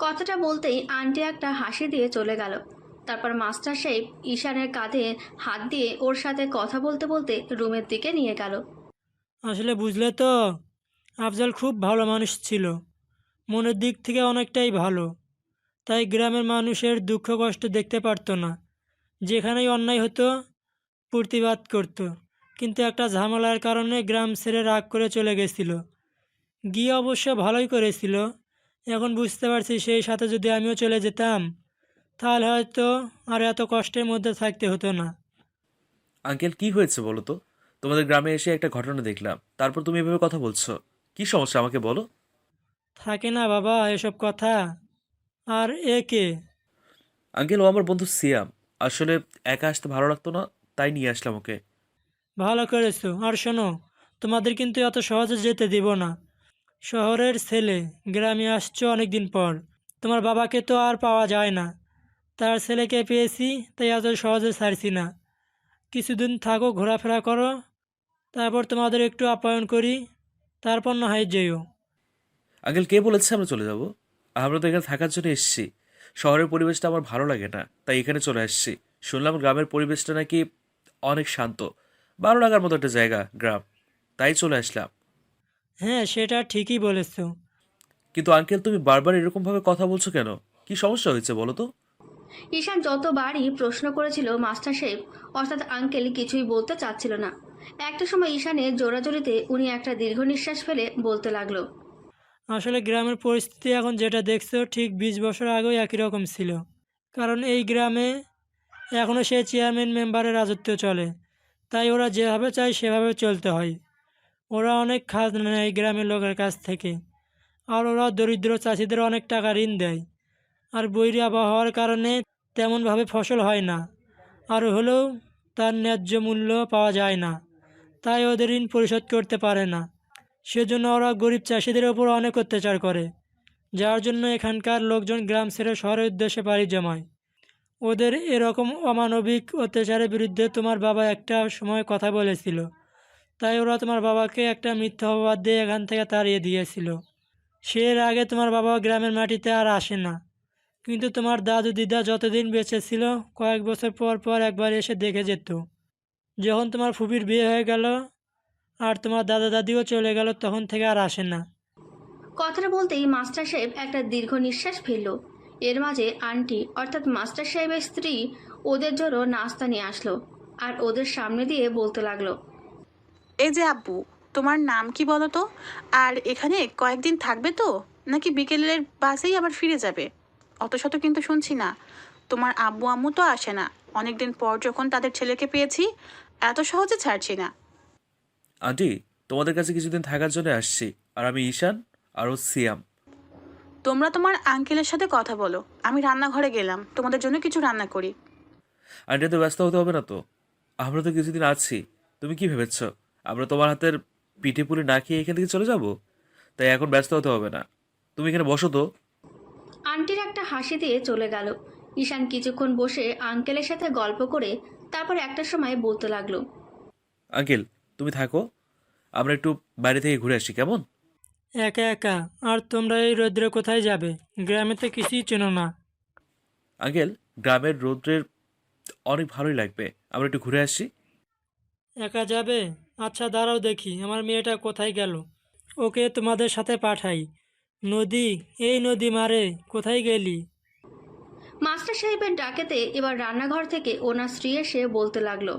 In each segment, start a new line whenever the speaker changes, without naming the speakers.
কথাটা বলতেই আন্টি একটা হাসি দিয়ে চলে গেল। তারপর মাস্টার সাহেব ঈশানের কাঁধে হাত দিয়ে ওর সাথে কথা বলতে বলতে রুমের দিকে নিয়ে গেল।
আসলে বুঝলে তো, আফজাল খুব ভালো মানুষ ছিল, মনের দিক থেকে অনেকটাই ভালো। তাই গ্রামের মানুষের দুঃখ কষ্ট দেখতে পারতো না। যেখানেই অন্যায় হতো প্রতিবাদ করত। কিন্তু একটা ঝামেলার কারণে গ্রাম ছেড়ে রাগ করে চলে গেছিল। গিয়ে অবশ্য ভালোই করেছিল। এখন বুঝতে পারছি সেই সাথে যদি আমিও চলে যেতাম তাহলে হয়তো আর এত কষ্টের মধ্যে থাকতে হতো না।
আঙ্কেল কি হয়েছে বলো তো? তোমাদের গ্রামে এসে একটা ঘটনা দেখলাম, তারপর তুমি এভাবে কথা বলছো। কি সমস্যা আমাকে বলো।
থাকে না বাবা এসব কথা। আর এ কে?
আঙ্কেল, ও আমার বন্ধু সিয়াম। আসলে একা আসতে ভালো লাগতো না, তাই নিয়ে আসলাম ওকে।
ভালো করেছো। আর শোনো, তোমাদের কিন্তু এত সহজে যেতে দিব না। শহরের ছেলে, গ্রামে আসছো অনেক দিন পর। তোমার বাবাকে তো আর পাওয়া যায় না। তার ছেলেকে পেয়েছি, তাই এত সহজে ছাড়ছি না। কিছুদিন থাকো, ঘোরাফেরা করো, তারপর তোমাদের একটু আপ্যায়ন করি, তারপর না হয় যেও।
আঙ্কেল, কে বলেছে আমরা চলে যাব? আমরা তো এখানে থাকার জন্য এসেছি। শহরের পরিবেশটা আমার ভালো লাগে না, তাই এখানে চলে আসছি। শুনলাম গ্রামের পরিবেশটা নাকি অনেক শান্ত, ভালো লাগার মতো একটা জায়গা গ্রাম, তাই চলে আসলাম।
হ্যাঁ, সেটা ঠিকই বলেছো।
কিন্তু আঙ্কেল, তুমি বারবার এরকমভাবে কথা বলছো কেন? কি সমস্যা হয়েছে বলো তো?
ঈশান যতবারই প্রশ্ন করেছিল মাস্টার সাহেব অর্থাৎ আঙ্কেল কিছুই বলতে চাচ্ছিল না। একটা সময় ঈশানের জোরাজোরিতে উনি একটা দীর্ঘ নিঃশ্বাস ফেলে বলতে লাগলো।
আসলে গ্রামের পরিস্থিতি এখন যেটা দেখছো ঠিক 20 বছর আগেও একই রকম ছিল। কারণ এই গ্রামে এখনও সেই চেয়ারম্যান মেম্বারের রাজত্ব চলে। তাই ওরা যেভাবে চায় সেভাবে চলতে হয়। ওরা অনেক খাত নেয় গ্রামের লোকের কাছ থেকে। আর ওরা দরিদ্র চাষিদের অনেক টাকা ঋণ দেয়। আর বৈরী আবহাওয়ার কারণে তেমনভাবে ফসল হয় না। আর হলেও তার ন্যায্য মূল্য পাওয়া যায় না। তাই ওদের ঋণ পরিশোধ করতে পারে না। সেজন্য ওরা গরিব চাষিদের ওপর অনেক অত্যাচার করে, যার জন্য এখানকার লোকজন গ্রাম ছেড়ে শহরের উদ্দেশ্যে পাড়ি জমায়। ওদের এরকম অমানবিক অত্যাচারের বিরুদ্ধে তোমার বাবা একটা সময় কথা বলেছিল। তাই ওরা তোমার বাবাকে একটা মিথ্যা অপবাদ দিয়ে এখান থেকে তাড়িয়ে দিয়েছিল। সে এর আগে তোমার বাবা গ্রামের মাটিতে আর আসে না। কিন্তু তোমার দাদু দিদা যতদিন বেঁচে ছিল কয়েক বছর পর পর একবার এসে দেখে যেত। যখন তোমার ফুপির বিয়ে হয়ে গেল আর তোমার দাদা দাদিও চলে গেল তখন থেকে আর আসে না।
কথাটা বলতেই মাস্টার সাহেব একটা দীর্ঘ নিঃশ্বাস ফেলল। এর মাঝে আন্টি অর্থাৎ মাস্টার সাহেবের স্ত্রী ওদের জন্য নাস্তা নিয়ে আসলো আর ওদের সামনে দিয়ে বলতে লাগলো।
এই যে আব্বু, তোমার নাম কি বলো তো? আর এখানে কয়েকদিন থাকবে তো, নাকি বিকেলের বাসেই আবার ফিরে যাবে? অত শত কিন্তু শুনছি না। তোমার আব্বু আম্মু তো আসে না, অনেকদিন পর যখন তাদের ছেলেকে পেয়েছি, এত সহজে ছাড়ছি না।
আন্টি, তোমাদের কাছে কিছুদিন থাকার জন্য আসছি। আর আমি ঈশান, আর ও সিয়াম।
তোমরা তোমার আঙ্কেলের সাথে কথা বলো, আমি রান্নাঘরে গেলাম তোমাদের জন্য কিছু রান্না করি।
আন্টি, তো ব্যস্ত হতে হবে না তো? আমরা তো কিছুদিন আছি। তুমি কি ভেবেছ আমরা তোমার হাতের পিঠে পুলি না খেয়ে এখান থেকে চলে যাব? তাই এখন ব্যস্ত হতে হবে না। তুমি এখানে বসো তো।
আন্টির একটা হাসি দিয়ে চলে গেল। ঈশান কিছুক্ষণ বসে আঙ্কেলের সাথে গল্প করে তারপর একটা সময় বলতে লাগলো।
আঙ্কেল, তুমি থাকো, আমরা একটু বাইরে থেকে ঘুরে আসি, কেমন?
একা একা? আর তোমরা এই রৌদ্রে কোথায় যাবে? গ্রামে তো কিছুই চেনো না।
আঙ্কেল, গ্রামের রৌদ্রের অনেক ভালোই লাগবে, আমরা একটু ঘুরে আসি।
একা যাবে? আচ্ছা দাঁড়াও দেখি আমার মেয়েটা কোথায় গেল। ওকে তোমাদের সাথে পাঠাই। নদী, এই নদী মারে, কোথায় গেলি?
মাস্টার সাহেবের ডাকেতে এবার রান্নাঘর থেকে ওনার স্ত্রী এসে বলতে লাগলো।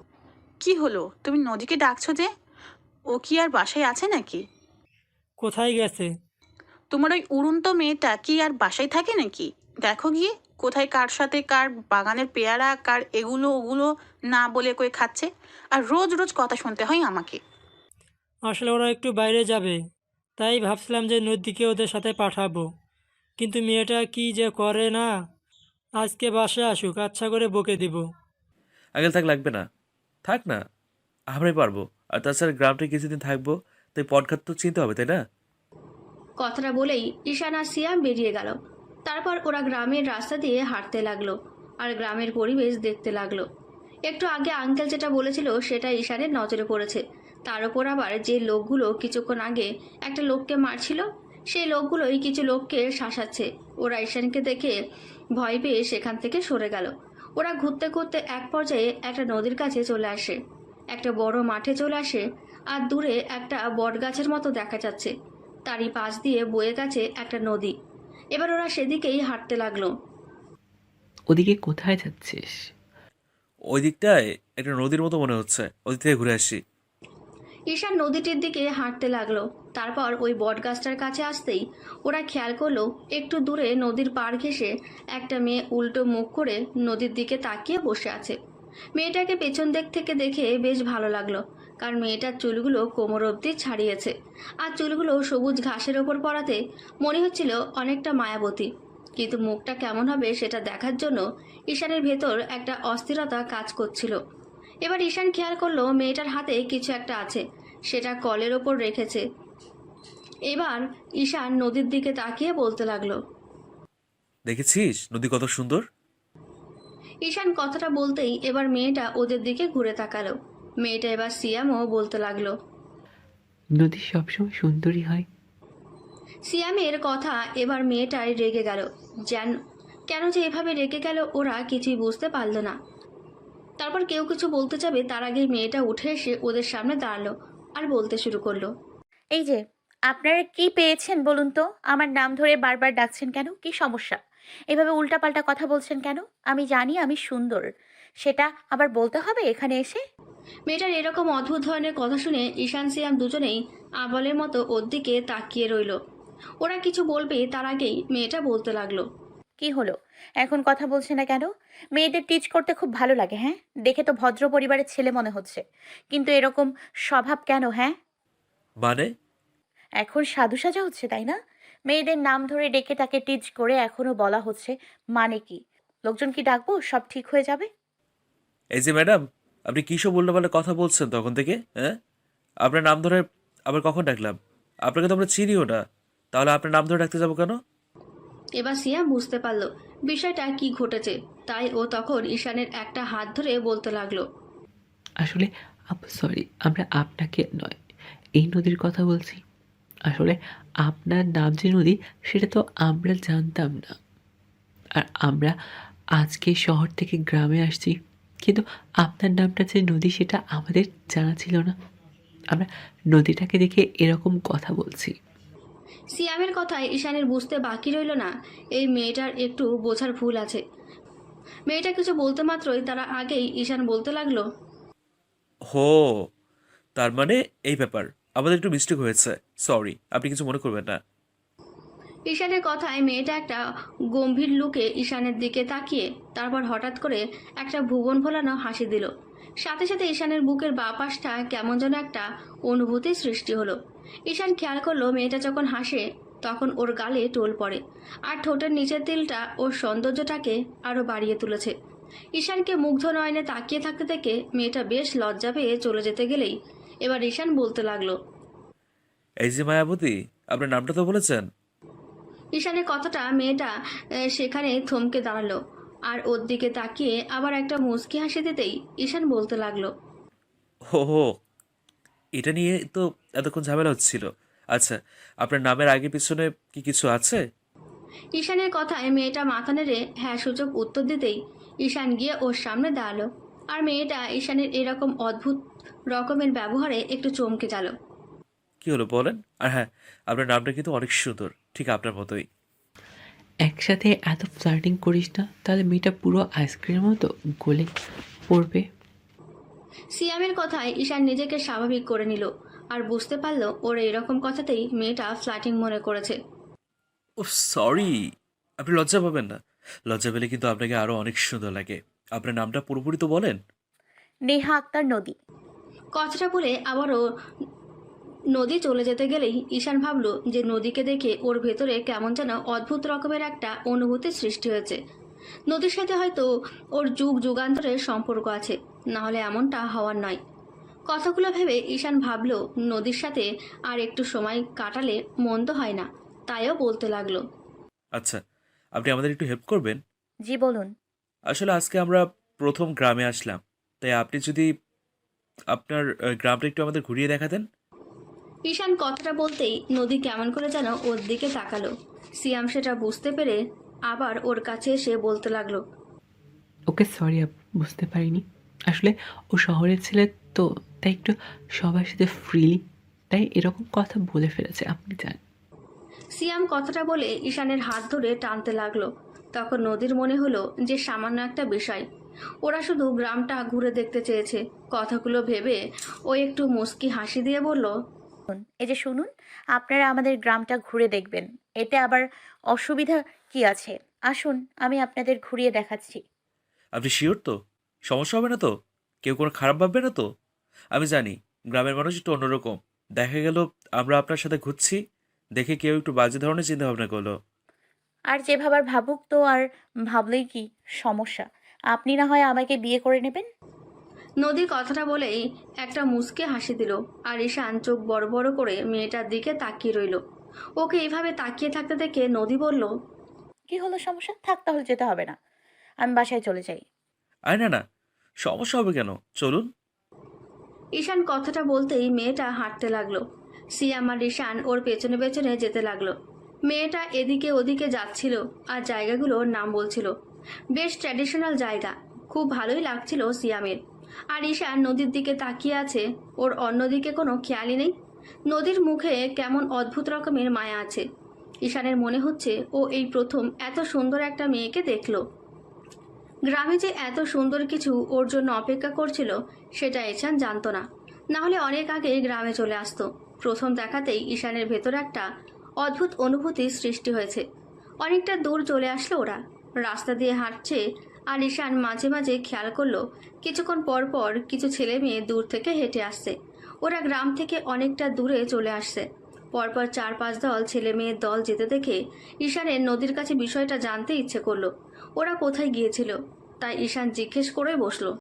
কি হলো, তুমি নদীকে ডাকছো যে? ও কি আর বাসায় আছে নাকি?
কোথায় গেছে?
তোমার ওই উড়ন্ত মেয়েটা কি আর বাসায় থাকে নাকি? দেখো গিয়ে, কোথায় কার সাথে কার বাগানের পেয়ারা, কার এগুলো ওগুলো না বলে কই খাচ্ছে। আর রোজ রোজ কথা শুনতে হয় আমাকে।
আসলে ওরা একটু বাইরে যাবে, তাই ভাবছিলাম যে নদীকে ওদের সাথে পাঠাবো। কিন্তু মেয়েটা কি যে করে না। আজকে বাসায় আসুক, আচ্ছা করে বকে দিব।
আঙ্কেল, থাক, লাগবে না। থাক না, আমরাই পারবো। আর তাছাড়া গ্রামটা কিছুদিন থাকবো, তাই পটঘাট তো চিনতে হবে, তাই না?
কথাটা বলেই ঈশান আর সিয়াম বেরিয়ে গেল। তারপর ওরা গ্রামের রাস্তা দিয়ে হাঁটতে লাগলো আর গ্রামের পরিবেশ দেখতে লাগলো। একটু আগে আঙ্কেল যেটা বলেছিল সেটা ঈশানের নজরে পড়েছে। তার উপর আবার যে লোকগুলো কিছুক্ষণ আগে একটা লোককে মারছিল সেই লোকগুলোই কিছু লোককে শাসাচ্ছে। ওরা ঈশানকে দেখে ভয় পেয়ে সেখান থেকে সরে গেল। ওরা ঘুরতে ঘুরতে এক পর্যায়ে একটা নদীর কাছে চলে আসে, একটা বড় মাঠে চলে আসে। আর দূরে একটা বট গাছের মতো দেখা যাচ্ছে, তারই পাশ দিয়ে বয়ে গেছে একটা নদী। এবার ওরা সেদিকেই হাঁটতে লাগলো।
ওদিকে কোথায় যাচ্ছিস?
ওই দিকটায় একটা নদীর মতো মনে হচ্ছে, ওদিক থেকে ঘুরে আসি।
ঈশান নদীটির দিকে হাঁটতে লাগলো। তারপর ওই বট গাছটার কাছে আসতেই ওরা খেয়াল করলো একটু দূরে নদীর পাড় ঘেঁষে একটা মেয়ে উল্টো মুখ করে নদীর দিকে তাকিয়ে বসে আছে। মেয়েটাকে পেছন দিক থেকে দেখে বেশ ভালো লাগলো, কারণ মেয়েটার চুলগুলো কোমর অবধি ছাড়িয়েছে, আর চুলগুলো সবুজ ঘাসের ওপর পড়াতে মনে হচ্ছিল অনেকটা মায়াবতী। কিন্তু মুখটা কেমন হবে সেটা দেখার জন্য ঈশানের ভেতর একটা অস্থিরতা কাজ করছিল। এবার ঈশান খেয়াল করলো মেয়েটার হাতে কিছু একটা আছে, সেটা কলের ওপর রেখেছে। এবার ঈশান নদীর দিকে তাকিয়ে বলতে লাগলো।
দেখেছিস নদী কত সুন্দর?
ঈশান কথাটা বলতেই এবার মেয়েটা ওদের দিকে ঘুরে তাকালো। মেয়েটা এবার সিয়ামও বলতে লাগলো।
নদী সবসময় সুন্দরী হয়।
সিয়ামের কথা এবার মেয়েটাই রেগে গেল। যেন কেন যে এভাবে রেগে গেল ওরা কিছুই বুঝতে পারলো না। তারপর কেউ কিছু বলতে যাবে তার আগেই মেয়েটা উঠে এসে ওদের সামনে দাঁড়ালো আর বলতে শুরু করলো।
এই যে, আপনারা কি পেয়েছেন বলুন তো? আমার নাম ধরে বারবার ডাকছেন কেন? কি সমস্যা? এভাবে উল্টাপাল্টা কথা বলছেন কেন? আমি জানি আমি সুন্দর, সেটা আবার বলতে হবে এখানে এসে?
মেয়েটার এরকম অদ্ভুত ধরনের কথা শুনে ঈশান সিয়াম দুজনেই আবলের মতো ওর দিকে তাকিয়ে রইল। ওরা কিছু বলবে তার আগেই মেয়েটা বলতে লাগলো।
কি হলো? এখন কথা বলছে না কেন? মেয়েদের টিচ করতে খুব ভালো লাগে, হ্যাঁ? দেখে তো ভদ্র পরিবারের ছেলে মনে হচ্ছে, কিন্তু এরকম স্বভাব কেন, হ্যাঁ?
মানে?
এখন সাধু সাজা হচ্ছে, তাই না? মেয়েদের নাম ধরে ডেকে তাকে টিচ করে এখনো বলা হচ্ছে, মানে কি? লোকজন কি ডাকবো? সব ঠিক হয়ে যাবে?
এই যে ম্যাডাম, আপনি কী সব উল্টোপাল্টা কথা বলছেন তখন থেকে? হ্যাঁ, আপনার নাম ধরে আবার কখন ডাকলাম? আপনাকে তো আমরা চিনিও না, তাহলে আপনার নাম ধরে ডাকতে যাবো কেন?
এবার সিয়াম বুঝতে পারলো বিষয়টা কি ঘটেছে, তাই ও তখন ঈশানের একটা হাত ধরে বলতে লাগলো।
আসলে আপু সরি, আমরা আপনাকে নয়, এই নদীর কথা বলছি। আসলে আপনার নাম যে নদী সেটা তো আমরা জানতাম না। আর আমরা আজকে শহর থেকে গ্রামে আসছি, কিন্তু আপনার নামটা যে নদী সেটা আমাদের জানা ছিল না। আমরা নদীটাকে দেখে এরকম কথা বলছি।
সিয়ামের কথায় ঈশানের বুঝতে বাকি রইল না এই মেয়েটার একটু বোঝার ভুল আছে। মেয়েটা কিছু বলতে মাত্রই তারা আগেই ঈশান বলতে লাগলো।
হো, তার মানে এই ব্যাপার, আমাদের একটু মিস্টেক হয়েছে, সরি, আপনি কিছু মনে করবেন না।
ঈশানের কথায় মেয়েটা একটা গম্ভীর লুকে ঈশানের দিকে তাকিয়ে তারপর হঠাৎ করে একটা ভুবন ভোলানো হাসি দিল। সাথে সাথে ঈশানের বুকের বাঁ পাশটা কেমন যেন একটা অনুভূতির সৃষ্টি হলো। ঈশান খেয়াল করলো মেয়েটা যখন হাসে তখন ওর গালে টোল পড়ে, আর ঠোঁটের নিচের তিলটা ওর সৌন্দর্যটাকে আরও বাড়িয়ে তুলেছে। ঈশানকে মুগ্ধ নয়নে তাকিয়ে থাকতে থেকে মেয়েটা বেশ লজ্জা পেয়ে চলে যেতে গেলেই এবার ঈশান বলতে লাগলো।
এই যে মায়াবতী, আপনার নামটা তো বলেছেন।
ঈশানের কথাটা মেয়েটা সেখানে থমকে দাঁড়ালো, আর ওর দিকে তাকিয়ে আবার একটা মুচকি হাসি দিতেই ঈশান বলতে লাগলো।
হো হো, এটা নিয়ে তো এতক্ষণ ঝামেলা হচ্ছিল। আচ্ছা, আপনার নামের আগে পিছনে কি কিছু আছে?
ঈশানের কথায় মেয়েটা মাথা নেড়ে হ্যাঁ সূচক উত্তর দিতেই ঈশান গিয়ে ওর সামনে দাঁড়ালো। আর মেয়েটা ঈশানের এরকম অদ্ভুত রকমের ব্যবহারে একটু চমকে গেল।
কি হলো বলেন? আর হ্যাঁ, আপনার নামটা কিন্তু অনেক সুন্দর, ঠিক আপনার মতোই।
একসাথে এত ফ্লার্টিং করিস না, তাহলে মেয়েটা পুরো আইসক্রিমের মতো গলে পড়বে।
সিয়ামের কথায় ঈশান নিজেকে স্বাভাবিক করে নিল আর বুঝতে পারলো ওর এরকম কথাতেই মেয়েটা ফ্ল্যাটিং মনে করেছে।
ও সরি, আপনি লজ্জা পাবেন না। লজ্জা পেলে কিন্তু আপনাকে আরো অনেক সুন্দর লাগে। আপনার নামটা পুরোপুরি তো বলেন।
নেহা আক্তার নদী।
কথাটা বলে আবারও নদী চলে যেতে গেলেই ঈশান ভাবলো যে নদীকে দেখে ওর ভেতরে কেমন যেন অদ্ভুত রকমের একটা অনুভূতির সৃষ্টি হয়েছে। নদীর সাথে হয়তো ওর যুগ যুগান্তরের সম্পর্ক আছে, না হলে এমনটা হওয়ার নয়। কথাগুলো ভেবে ঈশান ভাবলো নদীর সাথে আর একটু সময় কাটালে মন্দ হয় না, তাইও বলতে লাগলো।
আচ্ছা, আপনি আমাদের একটু হেল্প করবেন?
জি বলুন।
আসলে আজকে আমরা প্রথম গ্রামে আসলাম, তাই আপনি যদি আপনার গ্রামটা একটু আমাদের ঘুরিয়ে দেখাতেন।
ঈশান কথাটা বলতেই নদী কেমন করে যেন ওর দিকে তাকালো। সিয়াম সেটা বুঝতে পেরে আবার ওর কাছে এসে বলতে লাগলো,
ওকে সরি আপু, বুঝতে পারিনি। আসলে ও শহরের ছেলে তো, তাই একটু সবার সাথে ফ্রিলি, তাই এরকম কথা বলে ফেলেছে, আপনি জানেন।
সিয়াম কথাটা বলে ঈশানের হাত ধরে টানতে লাগলো। তখন নদীর মনে হলো যে সামান্য একটা বিষয়, ওরা শুধু গ্রামটা ঘুরে দেখতে চেয়েছে। কথাগুলো ভেবে ও একটু মুচকি হাসি দিয়ে বলল,
এই যে শুনুন, আপনারা আমাদের গ্রামটা ঘুরে দেখবেন, এতে আবার অসুবিধা কি আছে? আসুন, আমি আপনাদের ঘুরিয়ে দেখাচ্ছি।
আপনি শিওর তো? সমস্যা হবে না তো? কেউ কোনো খারাপ ভাববে না তো? আমি জানি গ্রামের মানুষ একটু অন্যরকম। দেখা গেল আমরা আপনার সাথে ঘুরছি দেখে কেউ একটু বাজে ধরনের চিন্তা ভাবনা করলো।
আর যে ভাবার ভাবুক তো, আর ভাবলেই কি সমস্যা? আপনি না হয় আমাকে বিয়ে করে নেবেন।
নদী কথাটা বলেই একটা মুচকে হাসি দিল। আর ঈশান চোখ বড় বড় করে মেয়েটার দিকে তাকিয়ে রইল। ওকে এইভাবে তাকিয়ে থাকতে দেখে নদী বলল,
কি হলো, সমস্যা? থাক, তাহলে যেতে হবে না, আমি বাসায় চলে যাই।
আরে না না, সমস্যা হবে কেন, চলুন।
ঈশান কথাটা বলতেই মেয়েটা হাঁটতে লাগলো। সিয়াম আর ঈশান ওর পেছনে পেছনে যেতে লাগলো। মেয়েটা এদিকে ওদিকে যাচ্ছিল আর জায়গাগুলোর নাম বলছিল। বেশ ট্র্যাডিশনাল জায়গা, খুব ভালোই লাগছিল সিয়ামের। আর ঈশান নদীর দিকে তাকিয়ে আছে, ওর অন্যদিকে কোনো খেয়ালই নেই। নদীর মুখে কেমন অদ্ভুত রকমের মায়া আছে। ঈশানের মনে হচ্ছে ও এই প্রথম এত সুন্দর একটা মেয়েকে দেখলো। গ্রামে যে এত সুন্দর কিছু ওর জন্য অপেক্ষা করছিল সেটা ঈশান জানতো না। নাহলে অনেক আগে গ্রামে চলে আসতো। প্রথম দেখাতেই ঈশানের ভেতর একটা অদ্ভুত অনুভূতির সৃষ্টি হয়েছে। অনেকটা দূর চলে আসলো ওরা। রাস্তা দিয়ে হাঁটছে আর ঈশান মাঝে মাঝে খেয়াল করলো কিছুক্ষণ পর পর কিছু ছেলে মেয়ে দূর থেকে হেঁটে আসছে। ওরা গ্রাম থেকে অনেকটা দূরে চলে আসছে। পরপর 4-5 দল ছেলে মেয়ের দল যেতে দেখে ঈশানের নদীর কাছে বিষয়টা জানতে ইচ্ছে করলো। ওরা কোথায় গিয়েছিল, তাই ঈশান জিজ্ঞেস করে বসলো।